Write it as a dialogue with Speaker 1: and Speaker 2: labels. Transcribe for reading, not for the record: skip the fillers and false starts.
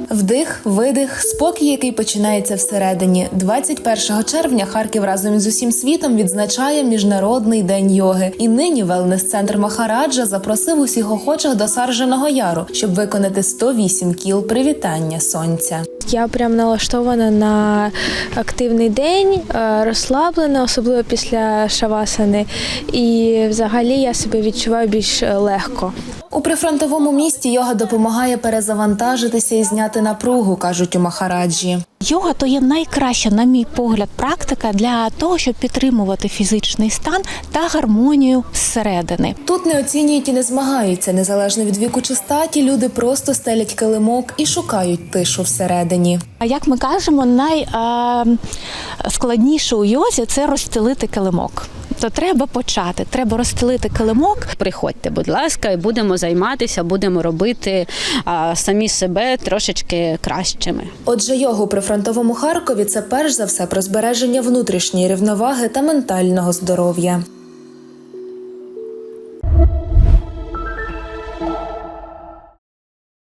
Speaker 1: Вдих, видих, спокій, який починається всередині. 21 червня Харків разом із усім світом відзначає Міжнародний день йоги. І нині велнес-центр Махараджа запросив усіх охочих до Сарженого яру, щоб виконати 108 кіл привітання сонця.
Speaker 2: Я прям налаштована на активний день, розслаблена, особливо після шавасани. І взагалі я себе відчуваю більш легко.
Speaker 1: У прифронтовому місті йога допомагає перезавантажитися і зняти напругу, кажуть у Махараджі.
Speaker 3: Йога – то є найкраща, на мій погляд, практика для того, щоб підтримувати фізичний стан та гармонію зсередини.
Speaker 1: Тут не оцінюють і не змагаються. Незалежно від віку чи статі, люди просто стелять килимок і шукають тишу всередині.
Speaker 3: А як ми кажемо, найскладніше у йозі – це розстелити килимок. То треба почати, треба розстелити килимок.
Speaker 4: Приходьте, будь ласка, і будемо займатися, будемо робити самі себе трошечки кращими.
Speaker 1: Отже, йога у прифронтовому Харкові – це перш за все про збереження внутрішньої рівноваги та ментального здоров'я.